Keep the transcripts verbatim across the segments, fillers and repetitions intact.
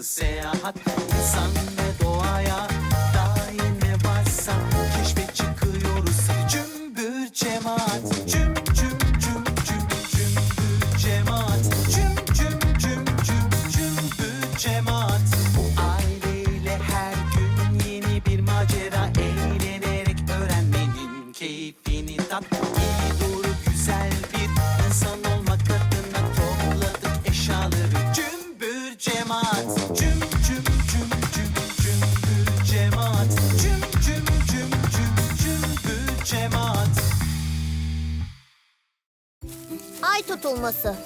seyahat. İnsan ve doğaya dair ne varsa keşfe çıkıyoruz. Hadi cümbür cemaat, cüm cüm cüm cüm cümbür cemaat, cüm cüm cüm cüm cümbür cemaat. Bu aileyle her gün yeni bir macera, eğlenerek öğrenmenin keyfini tat. İyi doğru güzel bir insan olmak adına topladık eşyaları. Cümbür cemaat, cüm cüm cüm cüm cümbür cemaat, cüm cüm cüm cüm cümbür cemaat. Ay tutulması.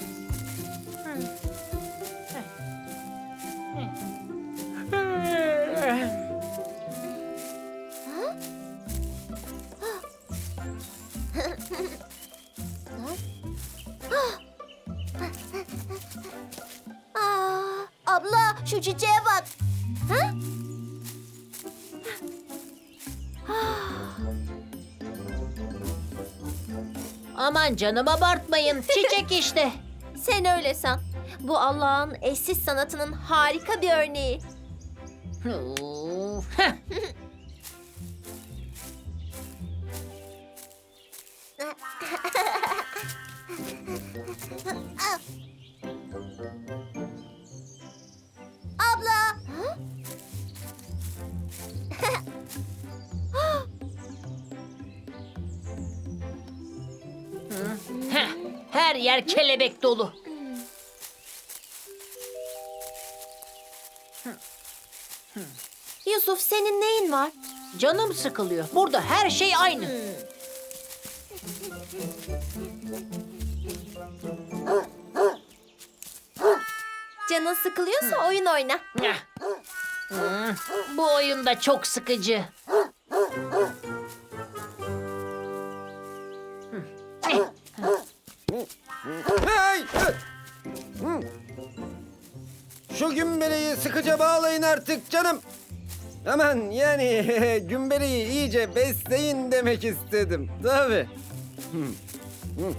Aa, abla şu çiçeğe bak. Ha? Aman canım abartmayın. Çiçek işte. Sen öyle san. Bu Allah'ın eşsiz sanatının harika bir örneği. Of, heh. Abla. Heh, her yer kelebek dolu. Yusuf senin neyin var? Canım sıkılıyor. Burada her şey aynı. Canın sıkılıyorsa oyun oyna. Heh. Hmm, bu oyun da çok sıkıcı. Hey! Hı. Şu gümbeleyi sıkıca bağlayın artık canım. Aman yani gümbeleyi iyice besleyin demek istedim. Tabii. Hı. Hı.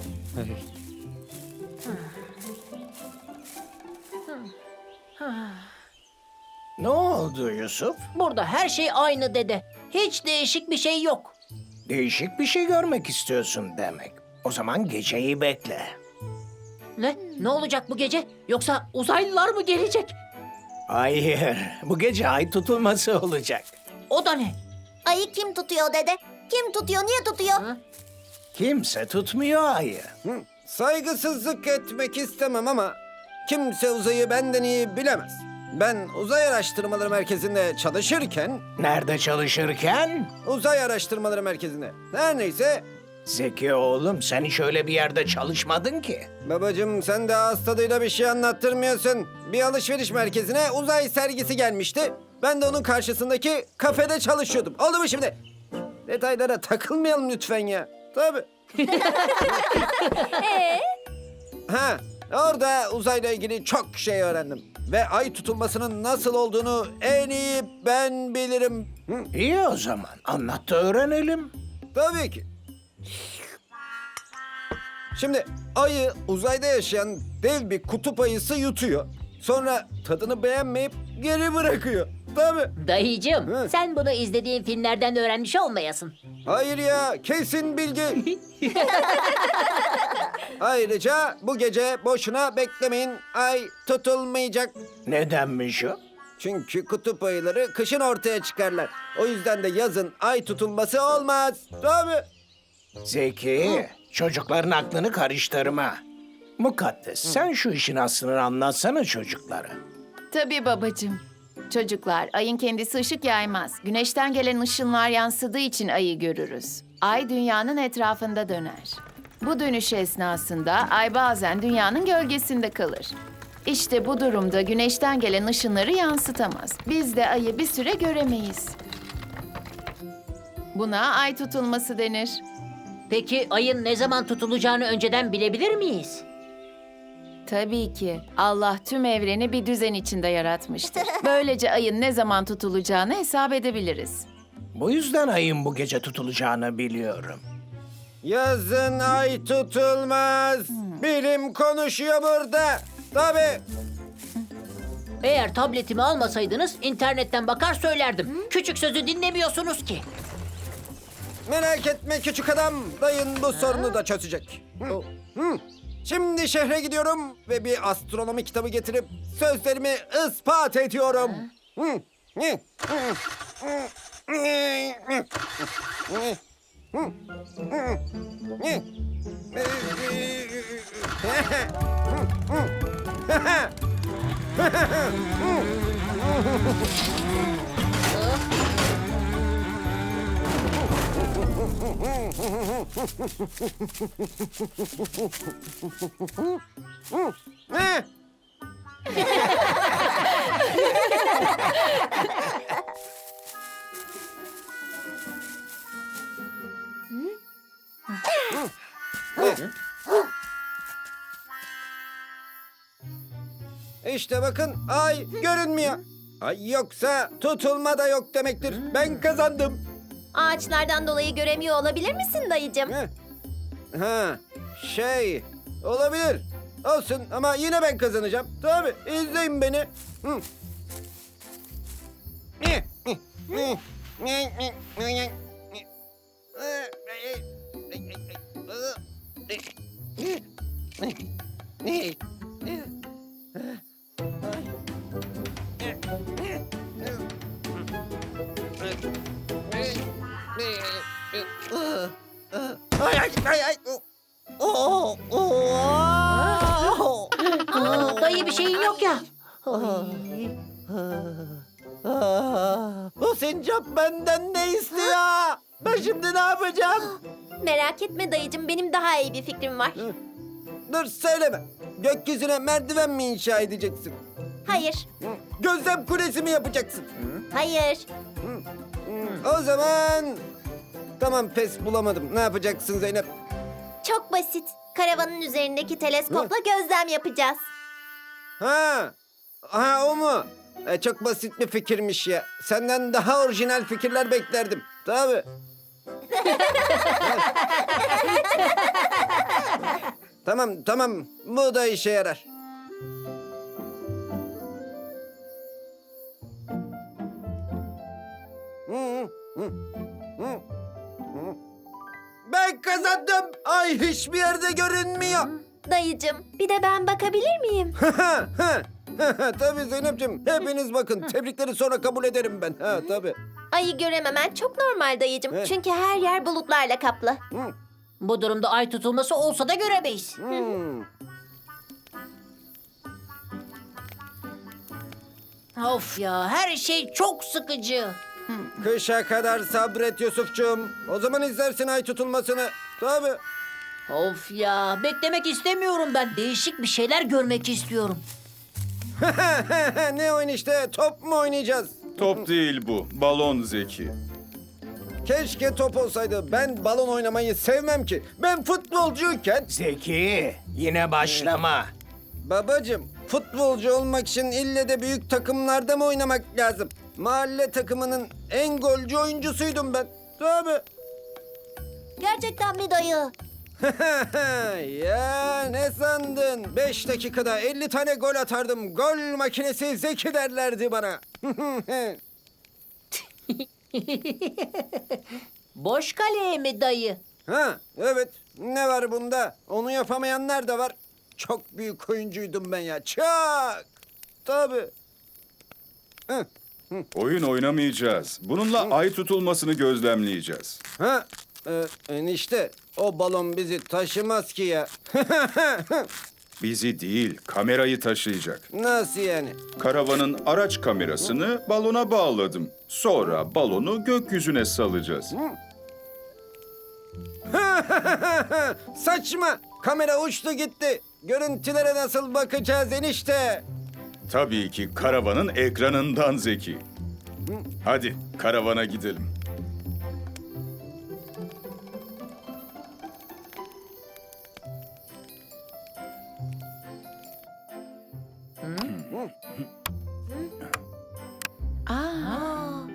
Ne oldu Yusuf? Burada her şey aynı dede. Hiç değişik bir şey yok. Değişik bir şey görmek istiyorsun demek. O zaman geceyi bekle. Ne? Ne olacak bu gece? Yoksa uzaylılar mı gelecek? Hayır, bu gece ay tutulması olacak. O da ne? Ayı kim tutuyor dede? Kim tutuyor, niye tutuyor? Hı? Kimse tutmuyor ayı. Hı. Saygısızlık etmek istemem ama kimse uzayı benden iyi bilemez. Ben Uzay Araştırmaları Merkezi'nde çalışırken, Nerede çalışırken? Uzay Araştırmaları Merkezi'nde. Her neyse, Zeki oğlum, sen hiç öyle bir yerde çalışmadın ki. babacığım sen de ağız tadıyla bir şey anlattırmıyorsun. Bir alışveriş merkezine uzay sergisi gelmişti. Ben de onun karşısındaki kafede çalışıyordum. Oldu mu şimdi? Detaylara takılmayalım lütfen ya. Tabii. Ha, orada uzayla ilgili çok şey öğrendim. Ve ay tutulmasının nasıl olduğunu en iyi ben bilirim. Hı, İyi o zaman, anlat da öğrenelim. tabii ki. Şimdi ayı uzayda yaşayan dev bir kutup ayısı yutuyor. Sonra tadını beğenmeyip geri bırakıyor. Tabii. Dayıcığım, Hı. sen bunu izlediğin filmlerden öğrenmiş olmayasın. Hayır ya, kesin bilgi. Ayrıca bu gece boşuna beklemeyin. Ay tutulmayacak. Nedenmiş o? Çünkü kutup ayıları kışın ortaya çıkarlar. O yüzden de yazın ay tutulması olmaz. Tabii. Zeki, çocukların aklını karıştırma. Mukaddes, sen şu işin aslını anlatsana çocuklara. Tabii babacığım. Çocuklar, ayın kendisi ışık yaymaz. Güneşten gelen ışınlar yansıdığı için ayı görürüz. Ay dünyanın etrafında döner. Bu dönüş esnasında ay bazen dünyanın gölgesinde kalır. İşte bu durumda güneşten gelen ışınları yansıtamaz. Biz de ayı bir süre göremeyiz. Buna ay tutulması denir. Peki ayın ne zaman tutulacağını önceden bilebilir miyiz? Tabii ki. Allah tüm evreni bir düzen içinde yaratmıştır. Böylece ayın ne zaman tutulacağını hesap edebiliriz. Bu yüzden ayın bu gece tutulacağını biliyorum. Yazın ay tutulmaz. Bilim konuşuyor burada. Tabii. Eğer tabletimi almasaydınız internetten bakar söylerdim. Küçük sözü dinlemiyorsunuz ki. Merak etme küçük adam. Dayın bu sorunu da çözecek. Hı. Hı. Şimdi şehre gidiyorum ve bir astronomi kitabı getirip sözlerimi ispat ediyorum. Hı. Hı. Hı. Hı. Hı. Hı. Hı. Hı. İşte bakın ay görünmüyor. Ay yoksa tutulma da yok demektir. Ben kazandım. Ağaçlardan dolayı göremiyor olabilir misin dayıcım? Ha, ha şey olabilir. Olsun ama yine ben kazanacağım. Tabii izleyin beni. Hı. Ay ay ay ay. Oh, oh. Aa, dayı bir şeyin yok ya. Bu sincap benden ne istiyor? Ben şimdi ne yapacağım? Merak etme dayıcım, benim daha iyi bir fikrim var. Dur söyleme. Gökyüzüne merdiven mi inşa edeceksin? Hayır, Gözlem kulesi mi yapacaksın? hayır. O zaman... Tamam pes bulamadım. Ne yapacaksın Zeynep? Çok basit. Karavanın üzerindeki teleskopla gözlem yapacağız. Ha, ha o mu? E, çok basit bir fikirmiş ya. Senden daha orijinal fikirler beklerdim. Tabii. Tamam, tamam. Bu da işe yarar. Hı, hı, hı, hı, hı. Ben kazandım. Ay hiçbir yerde görünmüyor. Dayıcım, bir de ben bakabilir miyim? Tabii Zeynep'ciğim. Hepiniz bakın. Tebrikleri sonra kabul ederim ben. Ha tabii. Ayı görememen çok normal dayıcım. Evet. Çünkü her yer bulutlarla kaplı. Hı, Bu durumda ay tutulması olsa da göremeyiz. hı. Of ya, her şey çok sıkıcı. Kışa kadar sabret Yusuf'cum. O zaman izlersin ay tutulmasını. Tabii. Of ya, beklemek istemiyorum ben. Değişik bir şeyler görmek istiyorum. Ne oyun işte? Top mu oynayacağız? Top değil bu, balon Zeki. Keşke top olsaydı. Ben balon oynamayı sevmem ki. Ben futbolcuyken... Zeki, yine başlama. Babacım, futbolcu olmak için ille de büyük takımlarda mı oynamak lazım? Mahalle takımının en golcü oyuncusuydum ben. Tabii. Gerçekten mi dayı? Ya ne sandın? Beş dakikada elli tane gol atardım. Gol makinesi Zeki derlerdi bana. Boş kaleye mi dayı? Ha, evet. Ne var bunda? Onu yapamayanlar da var. Çok büyük oyuncuydum ben ya. Çok. Tabii. Hı. Oyun oynamayacağız. Bununla ay tutulmasını gözlemleyeceğiz. Ha, e, enişte o balon bizi taşımaz ki ya. Bizi değil, kamerayı taşıyacak. Nasıl yani? Karavanın araç kamerasını balona bağladım. Sonra balonu gökyüzüne salacağız. Saçma. Kamera uçtu gitti. Görüntülere nasıl bakacağız enişte? Tabii ki karavanın ekranından Zeki. Hadi karavana gidelim. Aa,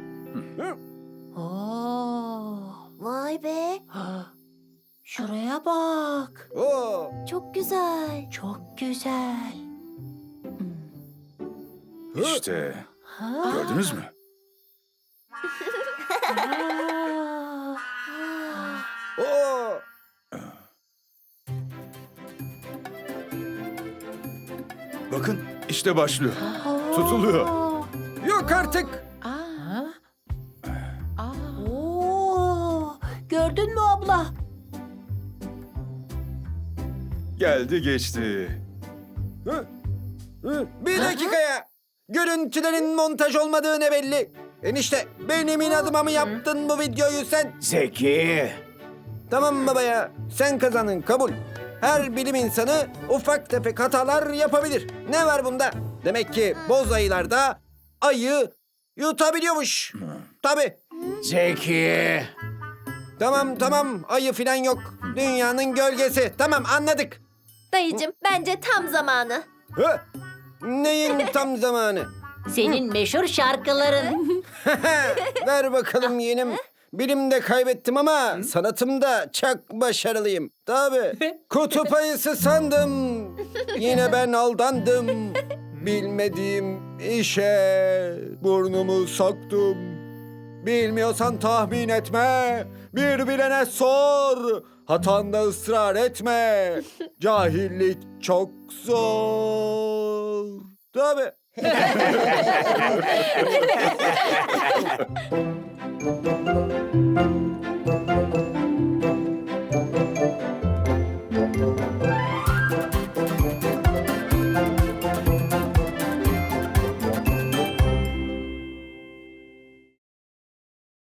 Oo, Vay be, şuraya bak. Oo. çok güzel. Çok güzel. İşte. Gördünüz mü? Oo. Bakın işte başlıyor. Tutuluyor. Yok artık. Aa, aa. Oo, gördün mü abla? Geldi geçti. Hı? Hı? Bir dakikaya. Görüntülerin montaj olmadığı ne belli. Enişte benim inadıma mı yaptın bu videoyu sen? Zeki. Tamam baba ya. Sen kazandın kabul. Her bilim insanı ufak tefek hatalar yapabilir. Ne var bunda? Demek ki boz ayılar da ayı yutabiliyormuş. Tabii. Zeki. Tamam tamam ayı filan yok. Dünyanın gölgesi. Tamam anladık. Dayıcım bence tam zamanı. Hı? Neyin tam zamanı? Senin meşhur şarkıların. Ver bakalım yeğenim. Bilimde kaybettim ama sanatımda çok başarılıyım. Tabii. Kutup ayısı sandım. Yine ben aldandım. Bilmediğim işe burnumu soktum. Bilmiyorsan tahmin etme. Bir bilene sor. Hatanda ısrar etme. Cahillik çok zor. Tabii.